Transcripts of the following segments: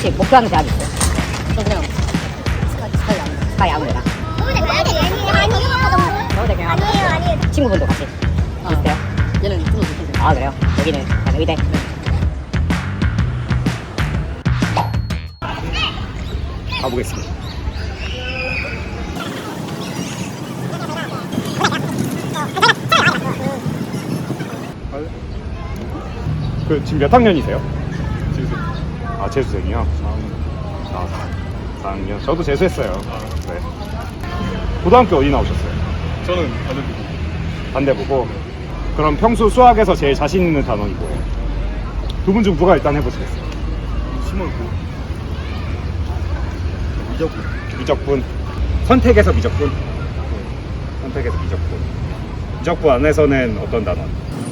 혹시 목표하는 대학이 있어요? 저 그냥 스카이 아무데나. 서울대 그냥 아니에요. 친구분도 같이 비슷해요? 얘는 좀더 높은데. 아 그래요? 여기는 약간 의대. 가보겠습니다. 그 지금 몇 학년이세요? 재수. 아 재수생이요? 4학년. 저도 재수했어요. 네. 고등학교 어디 나오셨어요? 저는 반대쪽. 반대보고. 그럼 평소 수학에서 제일 자신 있는 단원이 뭐예요? 두 분 중 누가 일단 해보시겠어요? 심어있고. 미적분. 미적분. 선택에서 미적분. 선택에서 미적분. 미적분 안에서는 어떤 단원?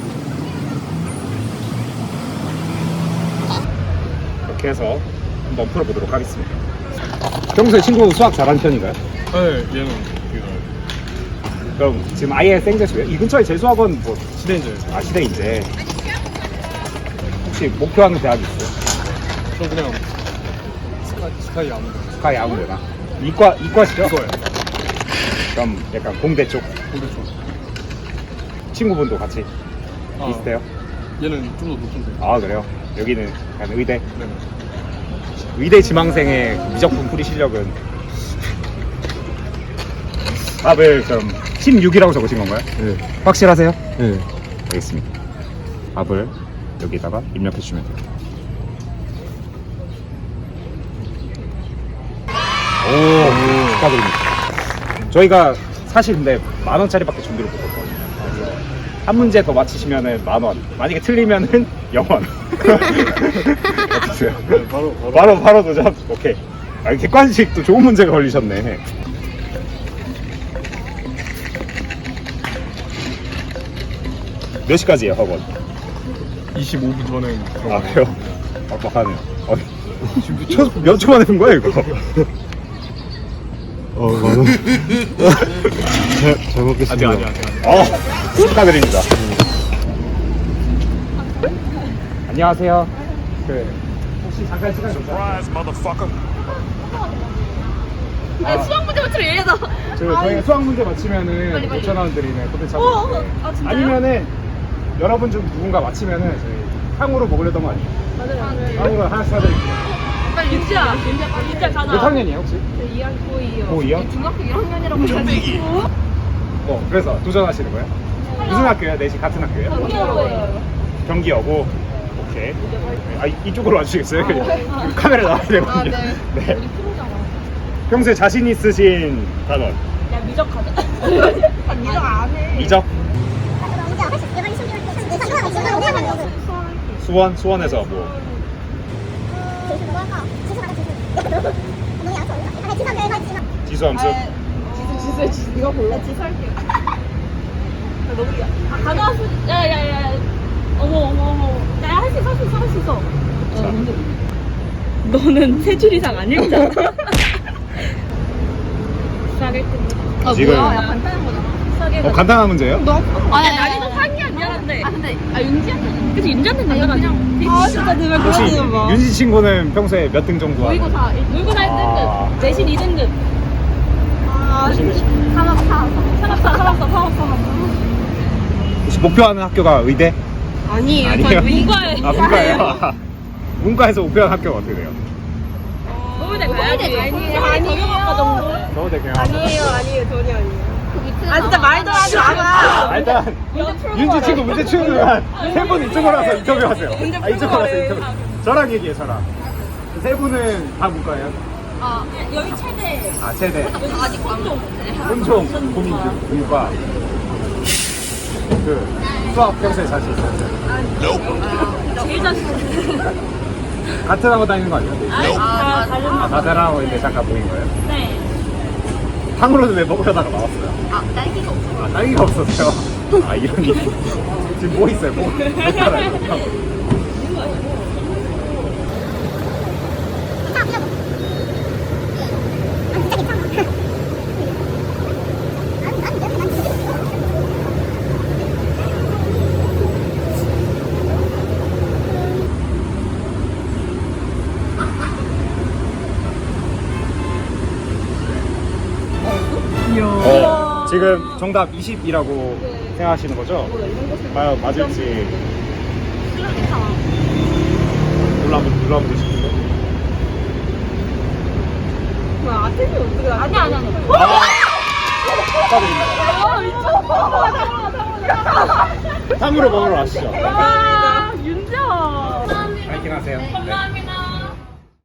이렇게 해서 한번 풀어보도록 하겠습니다. 평소에 친구 수학 잘하는 편인가요? 네, 얘는 되게 나아요. 그럼 지금 아예 생재수예요? 이 근처에 재수학원 뭐 시대인제. 시대인데 혹시 목표하는 대학이 있어요? 저 그냥 스카이 아무데나. 스카이 아무데나. 이과시죠? 이거예요. 그럼 약간 공대 쪽 반대쪽. 친구분도 같이 아. 비슷해요? 얘는 좀 더 높은데. 아 그래요? 여기는 약간 의대. 네. 의대 지망생의 미적분 풀이 실력은 답을 그럼 16이라고 적으신 건가요? 네. 확실하세요? 네. 알겠습니다. 답을 여기다가 입력해 주시면 돼요. 오, 축하드립니다. 저희가 사실 근데 10,000원짜리밖에 준비를 못했거든요. 한 문제 더 맞히시면은 10,000원. 만약에 틀리면은 0원. 어떠세요? 네, 바로. 바로 도전? 오케이. 아, 객관식도 좋은 문제가 걸리셨네. 몇 시까지예요, 학원? 25분 전에 아, 들어가요. 그래요? 빡빡하네요. 지금 몇 초 만에 푼 거예요, 이거? 만원. 잘 먹겠습니다. 아직. 축하드립니다. 안녕하세요. 혹시 잠깐 시간 괜찮아요? 수학 문제 맞추러 얘기해서. 저희가 수학 문제 맞히면은 5,000원 드리는 콘텐츠 하고 있는데 아니면은 여러분 중 누군가 맞히면은 저희 탕후루 먹으려던 거 아니에요? 맞아요. 탕후루 하나씩 사드릴게요. 빨리 윤지야 가자. 몇 학년이에요 혹시? 2학 고2요. 고2요? 중학교 1학년이라고. 그래서 도전하시는 거예요? 무슨 학교예요? 넷이 같은 학교예요? 경기여고. 오케이. 아 이쪽으로 와주시겠어요? 카메라 나와야 되거든요. 네. 평소에 자신 있으신 단원? 야 미적 가자. 나 미적 안 해. 미적? 수원에서 뭐? 지수함수? 지수 이거 볼래? 지수 할게요. 너무 가져왔어. 야야야. 어머. 야 할 수 있어. 너는 세 줄 이상 안 읽잖아. 아 지금- 뭐야? 야 간단한 거잖아. 간단한 문제예요? 아니 난이도 상이야 미안한데. 근데 윤지한테 그치 윤지한테 간단하지. 아 진짜 내가 혹시 윤지 친구는 평소에 몇 등 정도 하나요? 모의고사 아. 1등급, 내신 2등급. 열심히 치고. 산업사. 혹시 목표하는 학교가 의대? 아니에요. 아니에요? 저희 문과에. 아 문과예요? 문과에서 목표하는 학교가 어떻게 돼요? 서울대 가야지. 아니에요. 서울대 그냥 아니에요. 전혀 아니에요. 아 진짜 말도 하지 마. 일단 윤지 친구 문제 치우는 동안 세 분 이쪽으로 와서 인터뷰하세요. 이쪽으로 와서 인터뷰. 저랑 얘기해 저랑. 세 분은 다 문과예요? 여기 최대. 아 최대. 아직 혼종. 혼종 고민 문과. 그 수학 평소에 자신 있어요? 제일 자신. 같은 학원 다니는 거 아니에요? 다른. 다른 학원인데 잠깐 모인 거예요? 네. 탕후루는 왜 먹으려다가 나왔어요? 딸기가 없어. 딸기가 없었어요? 이런 일. 지금 뭐 있어요? 뭐 알아요? 지금 정답 20이라고 생각하시는 거죠? 과연 맞을지 눌러보고 싶은데. 아니야. 탕후루 먹으러 가시죠. 와, 윤정. 파이팅 하세요. 네. 감사합니다.